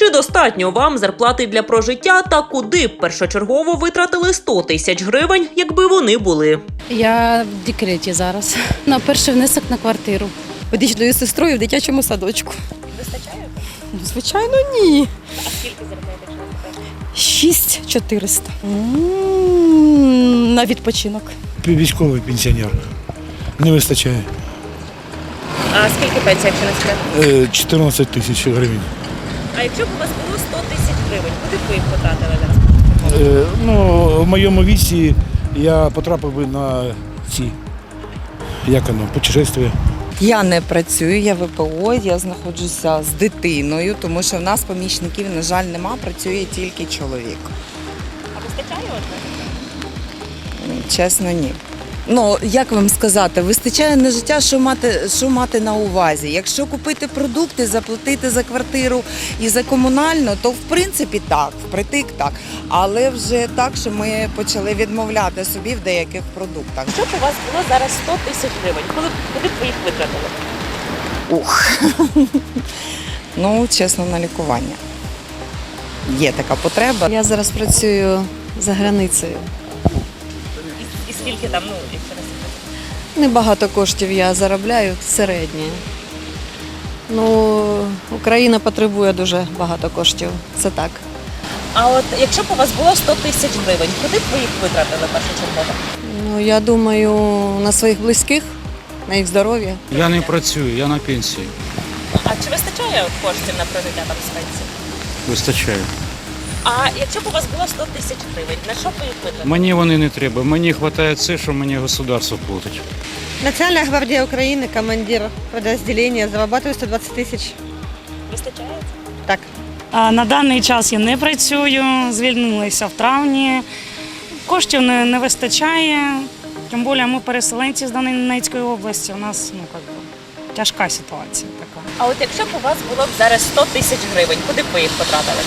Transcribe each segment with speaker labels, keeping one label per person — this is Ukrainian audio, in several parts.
Speaker 1: Чи достатньо вам зарплати для прожиття та куди б першочергово витратили 100 тисяч гривень, якби вони були?
Speaker 2: Я в декреті зараз. На перший внесок на квартиру.
Speaker 3: Водичною сестрою в дитячому садочку.
Speaker 4: Вистачає?
Speaker 3: Звичайно, ні.
Speaker 4: А скільки заробляєте, якщо не секрет?
Speaker 3: 6400. На відпочинок.
Speaker 5: Військовий пенсіонер. Не вистачає.
Speaker 4: А скільки пенсія, якщо не секрет?
Speaker 5: 14 тисяч гривень.
Speaker 4: А якщо б у вас було 100 тисяч гривень, куди б ви їх потратили зараз?
Speaker 5: В моєму віці я потрапив би на ці, путешествия.
Speaker 6: Я не працюю, я ВПО, я знаходжуся з дитиною, тому що в нас помічників, на жаль, нема, працює тільки чоловік.
Speaker 4: А вистачає
Speaker 6: Чесно, ні. Ну, як вам сказати, вистачає на життя, що мати на увазі. Якщо купити продукти, заплатити за квартиру і за комунальну, то в принципі так, впритик так. Але вже так, що ми почали відмовляти собі в деяких продуктах.
Speaker 4: Якщо б у вас було зараз 100 тисяч гривень, куди б ви їх витратили?
Speaker 6: Ну, чесно, на лікування. Є така потреба.
Speaker 2: Я зараз працюю за границею.
Speaker 4: І скільки там, якщо не секрет?
Speaker 2: Небагато коштів я заробляю, середнє. Ну, Україна потребує дуже багато коштів, це так.
Speaker 4: А от якщо б у вас було 100 тисяч гривень, куди б ви їх витратили першочергово?
Speaker 2: Ну, я думаю, на своїх близьких, на їх здоров'я.
Speaker 7: Я не працюю, я на пенсії.
Speaker 4: А чи вистачає коштів на прожиття там з пенсії?
Speaker 7: Вистачає.
Speaker 4: А якщо б у вас було 100 тисяч гривень, на що б ви їх витратили?
Speaker 7: Мені вони не треба. Мені вистачає це, що мені государство платить.
Speaker 3: Національна гвардія України, командир підрозділення, зарабатываю 120 тисяч.
Speaker 4: Вистачає?
Speaker 3: Так.
Speaker 8: На даний час я не працюю, звільнилася в травні. Коштів не вистачає. Тим більше ми переселенці з Донецької області. У нас тяжка ситуація така.
Speaker 4: А от якщо б у вас було б зараз 100 тисяч гривень, куди б ви їх потратили?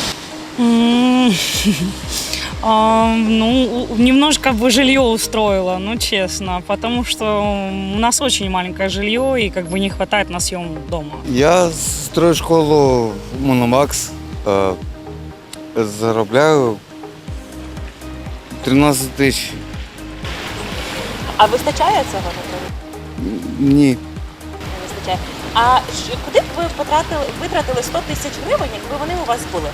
Speaker 8: Немножко бы жилье устроила, ну честно, потому что у нас очень маленькое жилье и не хватает на съем дома.
Speaker 9: Я строю школу Мономакс, заробляю 13 тисяч.
Speaker 4: А вистачає цього на прожиття?
Speaker 9: Ні.
Speaker 4: Не вистачає. А куди б ви витратили 100 тисяч гривень, якби вони у вас були?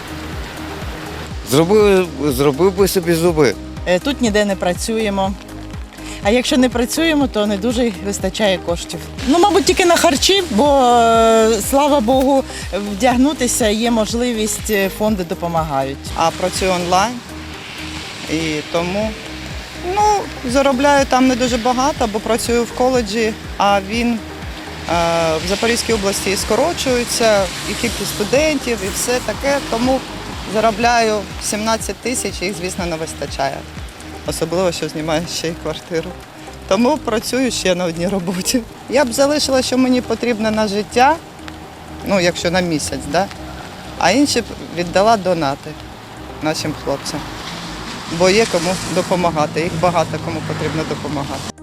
Speaker 9: Зробив би собі зуби.
Speaker 3: Тут ніде не працюємо. А якщо не працюємо, то не дуже вистачає коштів. Ну, мабуть, тільки на харчі, бо, слава Богу, вдягнутися є можливість, фонди допомагають.
Speaker 6: А працюю онлайн і тому заробляю там не дуже багато, бо працюю в коледжі, а він в Запорізькій області скорочується, і кількість студентів, і все таке, тому заробляю 17 тисяч, їх, звісно, не вистачає. Особливо, що знімаю ще й квартиру. Тому працюю ще на одній роботі. Я б залишила, що мені потрібно на життя, якщо на місяць, а інші б віддала донати нашим хлопцям. Бо є кому допомагати, їх багато кому потрібно допомагати.